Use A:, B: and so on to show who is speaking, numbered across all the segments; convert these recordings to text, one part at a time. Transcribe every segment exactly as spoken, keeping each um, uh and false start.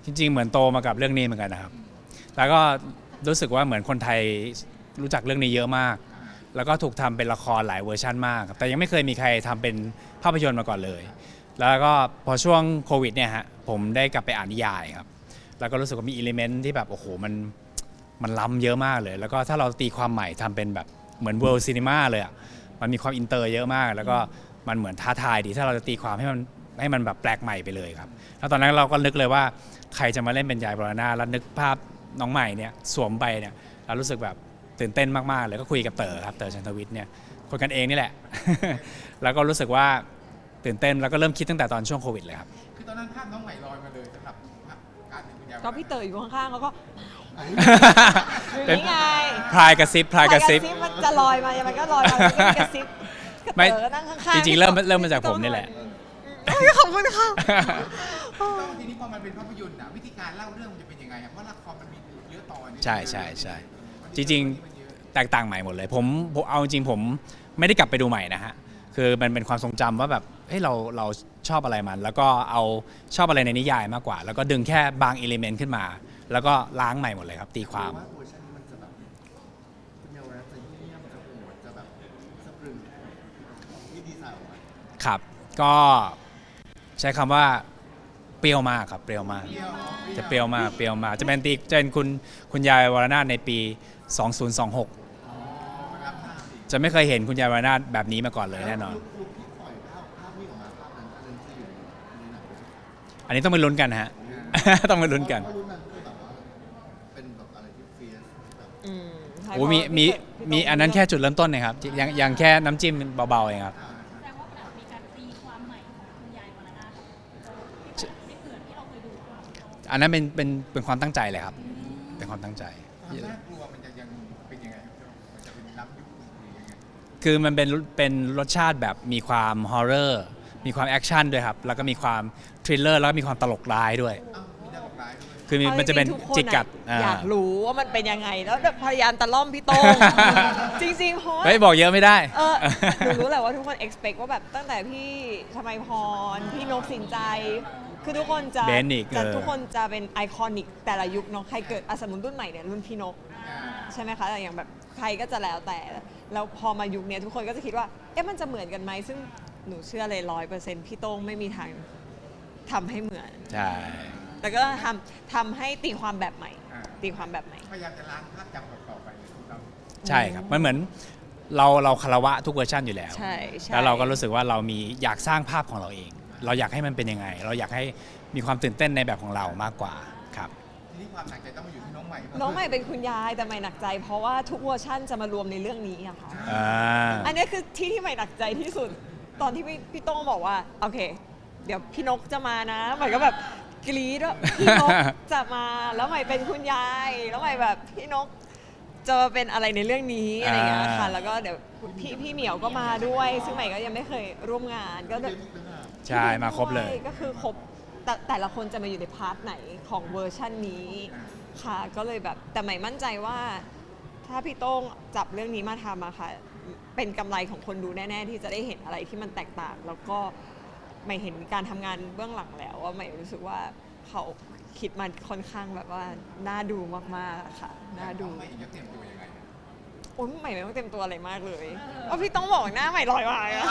A: จริงๆเหมือนโตมากับเรื่องนี้เหมือนกันนะครับแล้วก็รู้สึกว่าเหมือนคนไทยรู้จักเรื่องนี้เยอะมากแล้วก็ถูกทำเป็นละครหลายเวอร์ชันมากแต่ยังไม่เคยมีใครทำเป็นภาพยนตร์มาก่อนเลยแล้วก็พอช่วงโควิดเนี่ยฮะผมได้กลับไปอ่านนิยายครับแล้วก็รู้สึกว่ามีอิเลเมนต์ที่แบบโอ้โหมันมันล้ำเยอะมากเลยแล้วก็ถ้าเราตีความใหม่ทำเป็นแบบเหมือนเวิลด์ซีนีมาเลยอ่ะมันมีความอินเตอร์เยอะมากแล้วก็มันเหมือนท้าทายดีถ้าเราจะตีความให้มันให้มันแบบแปลกใหม่ไปเลยครับแล้วตอนนั้นเราก็นึกเลยว่าใครจะมาเล่นเป็นยายบรณาแล้วนึกภาพน้องใหม่เนี่ยสวมไปเนี่ยเรารู้สึกแบบตื่นเต้นมากๆเลยก็คุยกับเต๋อครับเต๋อชันทวิทย์เนี่ยคนกันเองนี่แหละ แล้วก็รู้สึกว่าตื่นเต้นแล้วก็เริ่มคิดตั้งแต่ตอนช่วงโควิดเลยครับ
B: คือตอนนั้นภาพน้องใหม่ลอยมาเลยสำหรับการเป็นคุณยาย
C: ก็พี่เต๋ออยู่ข้างๆเขาก็อ
A: เป็น
C: ย่างนี้ไง
A: พลายกระซิบพลายกระซิบ
C: มันจะลอยมามันก็ลอยมามันก็มีกระซิบกระ
A: ไม่
C: เต๋อนั่งข้างๆ
A: จริงๆเริ่มเริ่มมาจากผมนี่แหละ
C: ขอบคุณค่ะ
B: ทีนี้พอมันเป็นภาพยนตร์อะวิธีการเล่าเรื่องมันจะเป็นยังไงอะเพราะละครมันมีเยอะตอน
A: ใช่ใช่ใช่จริงๆแตกต่างใหม่หมดเลยผมผมเอาจริงผมไม่ได้กลับไปดูใหม่นะฮะคือมันเป็นความทรงจำว่าแบบเฮ้ยเราเราชอบอะไรมัน แล้วก็เอาชอบอะไรในนิยายมากกว่า แล้วก็ดึงแค่บางอิเลเมนต์ขึ้นมา แล้วก็ล้างใหม่หมดเลยครับตีความ
D: ว่าเวอร์ชันนี้มันจะแบบคุณเยาวรัตน์จะเยี่ยมจะโหดจะแบบสะพรึงที่ดีไซน์ออกมา
A: ครับก็ใช้คำว่าเปรี้ยวมากครับเปรี้ยวมากจะเปรี้ยวมากเปรี้ยวมากจะเป็นตีจะเป็นคุณคุณยายวรนาถในปีสองพันยี่สิบหกจะไม่เคยเห็นคุณยายวรนาถแบบนี้มาก่อนเลยแน่นอน
D: ลูกที่ปล่อยภาพภาพนี้ออกมาภาพนั้นอันนั้นจะอยู่ในหนังด้วย
A: อันนี้ต้องไปลุ้นกันฮะ ต้องไปลุ้นกัน
D: เพราะรุ่นนั้นคือแบบว่าเป็นแบบอะไรที่เฟียสแบบ
C: อืมใช่
A: โอ้มีมีมีอันนั้นแค่จุดเริ่มต้นนะครับยังยังแค่น้ำจิ้มเบาๆเองครับ
E: แสดงว่าแบบมีการตีความใหม่ของคุณยายวรนาถที่แบบไม่เหมือนที่เราเคยดูมา
A: อันนั้นเป็นเป็นเป็นความตั้งใจเลยครับเป็นความตั้งใจ
B: ความน่ากลัวมันจะยังเป็นยังไงครับมันจะเป็นล้ำยุคหรือยังไง
A: คือมันเป็นเป็นรสชาติแบบมีความฮอร์เรอร์มีความแอคชั่นด้วยครับแล้วก็มีความทริลเลอร์แล้วก็มีความตลกร้ายด้วย
B: อ้าวมีหน้าบอกร้ายด้วย
A: คือมี
C: อา
A: มันจะเป็น
C: ริงๆทุค
A: จิกกัด
C: อะอยากรู้ว่ามันเป็นยังไงแล้วแบบพยายามตะล่อมพี่โต้ง จริงๆเพราะว่า
A: เฮ้ยบอกเยอะไม่ได้
C: เออหนูรู้แหละว่าทุกคน expect ว่าแบบตั้งแต่พี่ชมัยพร พี่นกสินใจ คือทุกคนจะ
A: เบนอีก
C: จะ
A: เออ
C: ทุกคนจะเป็นไอคอนิกแต่ละยุคเนาะใครเกิดอะสมมติรุ่นใหม่เนี่ยรุ่นพี่นก ใช่ไหมคะแต่อย่างแบบใครก็จะแล้วแต่ แล้วพอมายุคเนี้ยทุกคนก็จะคิดว่า เอ๊ะมันจะเหมือนกันไหมซึ่งหนูเชื่อเลยร้อยเปอร์เซ็นต์พี่โต้งไม่มีทางทำให้เหมือน
A: ใช่
C: แต่ก็ทำทำให้ตีความแบบใหม่ ตีความแบบใหม่
B: พยายามจะล้างภาพจำต่อๆไปเลยทุกเรา
A: ใช่ครับมันเหมือนเราเราคารวะทุกเวอร์ชันอยู่แล้ว
C: ใช่ใช่
A: แล้วเราก็รู้สึกว่าเรามีอยากสร้างภาพของเราเอง เราอยากให้มันเป็นยังไง เราอยากให้มีความตื่นเต้นในแบบของเรามากกว่าครับ
B: ทีนี้ความหนักใจต้องมาอยู่ที่น้องใหม่
C: น้องใหม่เป็นคุณยายแต่ใหม่หนักใจ เพราะว่าทุกเวอร์ชั่นจะมารวมในเรื่องนี้อะค่ะ
A: อ่า
C: อันนี้คือที่ที่ใหม่หนักใจที่สุด ตอนที่พี่พี่โต้งบอกว่าโอเค เดี๋ยวพี่นกจะมานะใหม่ก็แบบกรี๊ดว่าพี่นกจะมาแล้วใหม่เป็นคุณยายแล้วใหม่แบบพี่นกจะมาเป็นอะไรในเรื่องนี้อะไรอย่างเงี้ยค่ะ แล้วก็เดี๋ยวพี่พี่เหมียวก็มาด้วย ซึ่งใหม่ก็ยังไม่เคยร่วมงานก็เดี๋ยว
A: ใช่มาครบเลย
C: ก็คือครบแต่แต่ละคนจะมาอยู่ในพาร์ทไหนของเวอร์ชันนี้ค่ะก็เลยแบบแต่ใหม่มั่นใจว่า ถ้าพี่โต้งจับเรื่องนี้มาทำอะค่ะเป็นกำไรของคนดูแน่ ๆ ที่จะได้เห็นอะไรที่มันแตกต่าง แล้วก็ใหม่เห็นการทำงานเบื้องหลังแล้วว่าใหม่รู้สึกว่าเขาคิดมันค่อนข้างแบบว่าน่าดูมากๆอะค่ะน่าดู
B: น้องใหม่จะเตรียมตัวยังไง
C: โอ้ยใหม่ไม่ต้องเต็มตัวอะไรมากเลยว่าพี่ต้องบอกหน้าใหม่ลอยมาอะ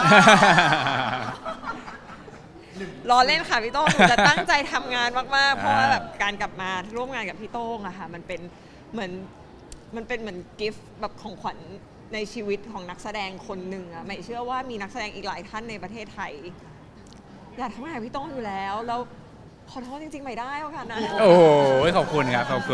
C: รอเล่นค่ะพี่โต้งหนูจะตั้งใจทำงานมากๆ เพราะว่าแบบการกลับมาร่วมงานกับพี่โต้งอะค่ะมันเป็นเหมือนมันเป็นเหมือนกิฟต์แบบของขวัญในชีวิตของนักแสดงคนหนึ่งอะใหม่เชื่อว่ามีนักแสดงอีกหลายท่านในประเทศไทยอยากทำงานกับพี่โต้งอยู่แล้วแล้วขอโทษจริงๆไม่ได้โอกาสนั้น
A: โอ้โหขอบคุณครับขอบคุณ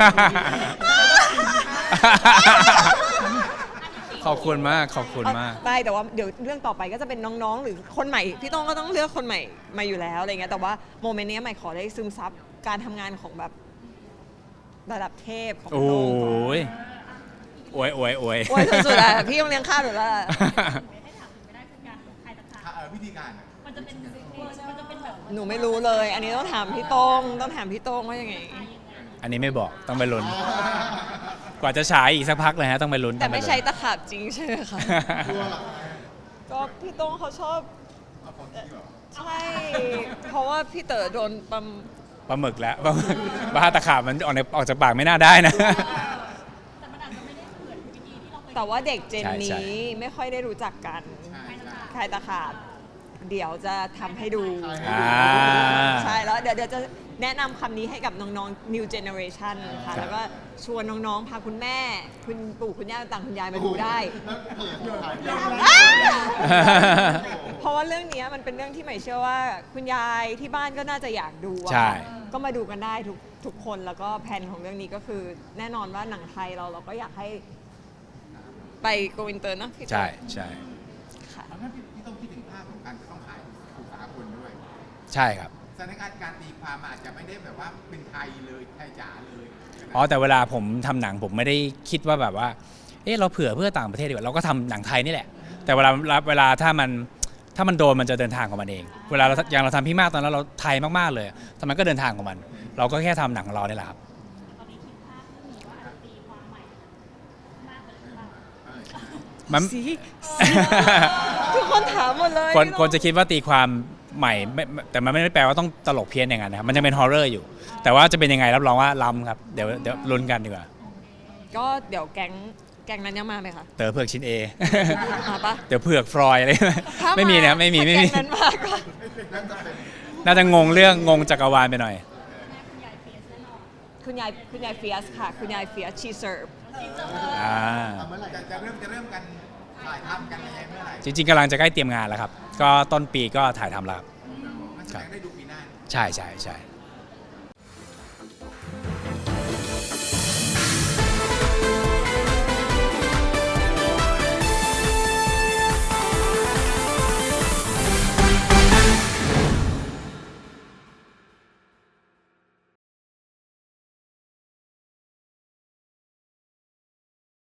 A: ขอบคุณมากขอบคุณมาก
C: ได้แต่ว่าเดี๋ยวเรื่องต่อไปก็จะเป็นน้องๆ หรือคนใหม่พี่โต้งก็ต้องเลือกคนใหม่มาอยู่แล้วอะไรเงี้ยแต่ว่าโมเมนต์นี้ใหม่ขอได้ซึมซับการทำงานของแบบระดับเทพของ
A: โอ้
C: พี่โต้งก่อน
A: ยโอ้ยโอ้ยโอ้ย
C: โอ้ยสุดๆอะพี่ต้องเลี้ยงข้าวหนูแล้วอะ
E: ให้ถามไม่ได้คือการใครตะขาบ
B: เออวิธีการอะ
E: มันจะเป็นเวอร์มันจะเป็นแบบ
C: หนูไม่รู้เลย อันนี้ต้องถามพี่โต้งต้องถามพี่โต้งว่ายังไง
A: อันนี้ไม่บอกต้องไปลุ้นกว่าจะฉายอีกสักพักเลยฮะต้องไปลุ้น
C: แต่ไม่ใช่
A: ต้องป
C: ตะขาบจริงใช่ไหมคะ
D: กลัวเหรอ
C: ก็พี่โต้งเขาชอบ
B: เอาของที่เหรอ
C: ใช่ เพราะว่าพี่เต๋อโดนปั๊ม
A: ปลาหมึกแล้วปลาหมึกบ้าตะขาบมันออกในออกจากปากไม่น่าได้นะ
E: แต่มันอาจจะไม่ได้เหมือนวิธีที่เราเคย
C: แต่ว่าเด็กเจน
A: ใช่ใช่
C: นี้ไม่ค่อยได้รู้จักกัน
B: ใช่ใช่
C: คลายตะขาบเดี๋ยวจะทำให้ดู
A: อ่า
C: ใช่แล้วเดี๋ยวเดี๋ยวจะแนะนำคำนี้ให้กับน้องๆ new generation ค่ะ แล้วก็ชวนน้องๆ พาคุณแม่ คุณปู่คุณย่าต่างคุณยายมาดูได้
D: แล้วเปิดขายย
C: เพราะว่าเรื่องนี้มันเป็นเรื่องที่ใหม่เชื่อว่า คุณยายที่บ้านก็น่าจะอยากดูอะ
A: ใช่
C: ก็มาดูกันได้ทุกทุกคนแล้วก็แผนของเรื่องนี้ก็คือแน่นอนว่าหนังไทยเราเราก็อยากให้ไปโกอินเตอร์นะพี่
A: ใช่ใช่
C: ค่ะ
B: เพราะฉะนั้นพี่พี่ต้องคิดถึงภาพของการจะต้องขายสู่สากลด้วย
A: ใช่ครับ
B: สถานการณ์การตีความอาจจะไม่ได้แบบว่าเป็นไทยเลยไทยจ๋าเลย
A: อ๋อแต่เวลาผมทำหนังผมไม่ได้คิดว่าแบบว่า เออเราเผื่อเพื่อต่างประเทศดีกว่าเราก็ทำหนังไทยนี่แหละ แต่เวลาเวลาถ้ามันถ้ามันโดนมันจะเดินทางของมันเอง เวลาเราอย่างเราทำพี่มากตอนนั้นเราไทยมากๆเลยแต่มันก็เดินทางของมัน เราก็แค่ทำหนังของเรานี่แหละครับ
E: ตอนนี้คิดภาพเรื่องนี้ว่าอาจจะตีความใหม่มากกว่าหรือเปล่า
B: เออใช่
A: มัน
C: สิ ทุกคนถามหมดเลย
A: คน
C: พี่
A: คนจะคิดว่าตีความใหม่ไม่ไม่แต่มันไม่ได้แปลว่าต้องตลกเพี้ยนอย่างนั้นนะครับมันจะเป็นฮอร์เรอร์อยู่ แต่ว่าจะเป็นยังไงรับรองว่าล้ำครับเดี๋ยวเดี๋ยวลุ้นกันดีกว่า
C: ก็เดี๋ยวแก๊งแก๊งนั้นยังมาไหมคะ
A: เต๋อเผือกชิ้นเอ
C: มาปะ
A: เดี๋ยวเผือกฟรอยอะไร
C: ถ้าา
A: ไม่มีนะไม่มีไม่มี
C: ถ้าแก๊งนั้นมาก็
B: แล้วจะเป็น
A: น่าจะงงเรื่องงงจักรวาลไปหน่อย
E: แม่คุณยายเฟียสแน่นอน
C: คุณยายคุณยายเฟียสค่ะ คุณยายเฟียสชีเซิร์ฟ
A: อ่า
D: ทำเมื่อไหร่
B: จะจะเริ่มจะเริ่มกันถ่ายทำกันยังไงเมื่อไหร่
A: จริงๆกำลังจะใกล้เตรียมงานแล้วครับ ก็ต้นปีก็ถ่ายทำแล้วครับ
B: มันแสดงได้ดูปีหน้า
A: ใช่ใช่ใช่
B: เ